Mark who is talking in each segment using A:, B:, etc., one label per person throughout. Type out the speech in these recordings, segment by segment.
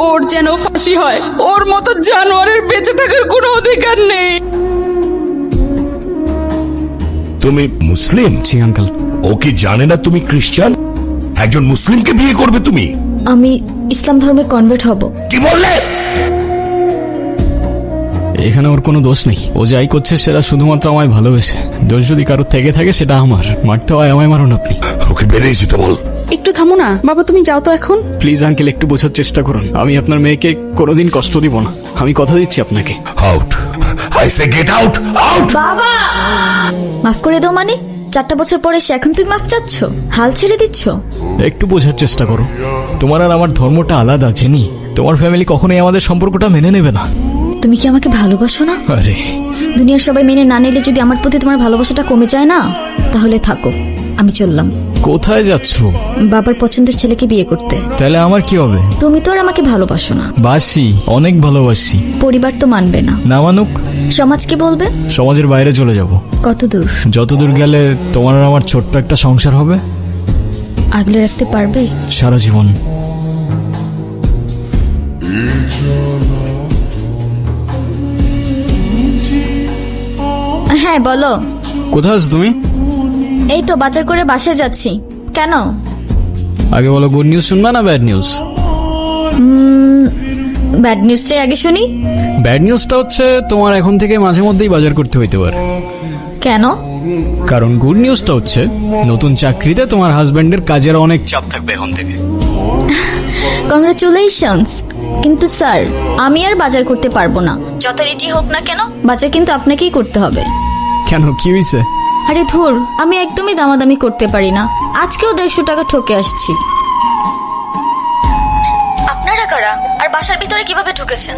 A: ওর যেন ফাঁসি হয়। ওর মতো জানোয়ারের বেঁচে থাকার কোনো অধিকার নেই।
B: তুমি মুসলিম?
C: জি আঙ্কেল।
B: ও কি জানে না তুমি খ্রিস্টান? একজন মুসলিমকে বিয়ে করবে তুমি?
D: আমি ইসলাম ধর্মে কনভার্ট হব।
B: কি বললে?
C: এখানে ওর কোনো দোষ নেই। ও যাই করছে সেটা শুধুমাত্র আমায় ভালোবেসে। দোষ যদি কারোর থেকে থাকে সেটা আমার। মারতে হয় আমায়, মারুন আপনি।
B: ওকে বেরিয়ে যেতে বল।
A: একটু থামো না বাবা, তুমি যাও তো এখন।
C: প্লিজ আঙ্কেল, একটু বোঝার চেষ্টা করুন। আমি আপনার মেয়েকে কোনোদিন কষ্ট দিব না, আমি কথা দিচ্ছি আপনাকে।
B: Out, I say get out, out.
D: বাবা, মাফ করে দাও মানে? 4টা বছর পরে সে এখন তুমি মাফ চাচ্ছ? হাল ছেড়ে দিচ্ছ?
C: একটু বোঝার চেষ্টা করো। তোমার আর আমার ধর্মটা আলাদা, জেনি। তোমার ফ্যামিলি কখনোই আমাদের সম্পর্কটা মেনে নেবে না।
D: তুমি কি আমাকে ভালোবাসো না?
C: আরে
D: দুনিয়ার সবাই মেনে না নিলে যদি আমার প্রতি তোমার ভালোবাসাটা কমে যায় না, তাহলে থাকো, আমি চললাম।
C: কোথায় যাচ্ছ?
D: বাবার পছন্দের ছেলেকে বিয়ে করতে।
C: তাহলে আমার কি হবে?
D: তুমি তো আর আমাকে ভালোবাসো না।
C: বাসি, অনেক ভালোবাসি।
D: পরিবার তো মানবে না।
C: না মানুক?
D: সমাজ কি বলবে?
C: সমাজের বাইরে চলে যাব।
D: কত দূর?
C: যতদূর গেলে তোমার আর আমার ছোট্ট একটা সংসার হবে।
D: আগলে রাখতে পারবে?
C: সারা জীবন।
D: হ্যাঁ বলো।
C: কোথায় আছো তুমি?
D: এই তো বাজার করে বাসায় যাচ্ছি। কেন?
C: আগে বলো, গুড নিউজ শুনবা না ব্যাড নিউজ?
D: ব্যাড নিউজটাই আগে শুনি।
C: ব্যাড নিউজটা হচ্ছে তোমার এখন থেকে মাঝে মধ্যেই বাজার করতে হইতে পারে।
D: কেন?
C: কারণ গুড নিউজটা হচ্ছে নতুন চাকরিতে তোমার হাজবেন্ডের কাজের অনেক চাপ থাকবে এখন থেকে।
D: কংগ্রাচুলেশনস। কিন্তু স্যার, আমি আর বাজার করতে পারবো না। যত রেটি হোক না কেন, বাজার কিন্তু আপনাকেই করতে হবে।
C: কেন, কি হয়েছে?
D: আরে ধুর, আমি একদমই দামাদামি করতে পারি না। আজকেও 150 টাকা ঠকে আসছি। আপনারা কারা আর বাসার ভিতরে কিভাবে ঢুকেছেন?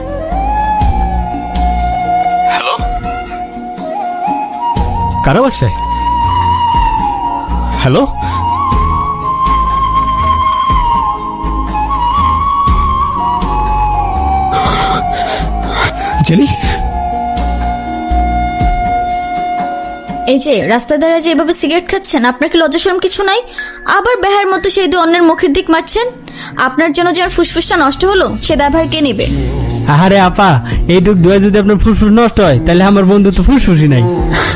C: হ্যালো, কারা বাসায়? Hello, Jenny?
D: এই যে রাস্তায় দাঁড়িয়ে যে এভাবে সিগারেট খাচ্ছেন, আপনার কি লজ্জা শরম কিছু নাই? আবার বেহার মতো সেই দিয়ে অন্যের মুখের দিক মারছেন। আপনার জন্য যে আর ফুসফুসটা নষ্ট হলো, সে দায়ভার কে নেবে?
E: আরে আপা, এই দুধ দোয়া যদি আপনার ফুসফুস নষ্ট হয়, তাহলে আমার বন্ধু তো ফুসফুসই নাই।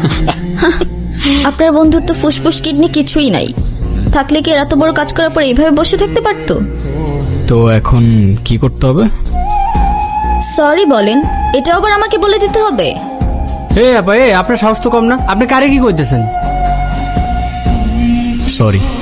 D: আপনার বন্ধুর তো ফুসফুস কিডনি কিছুই নাই। থাকলে কি এত বড় কাজ করার পর এইভাবে বসে থাকতে পারতো?
C: তো এখন কি করতে হবে?
D: সরি বলেন, এটা আবার আমাকে বলে দিতে হবে?
E: আপা, আপনার সাহস তো কম না, আপনি কারে কি করতেছেন?
C: সরি।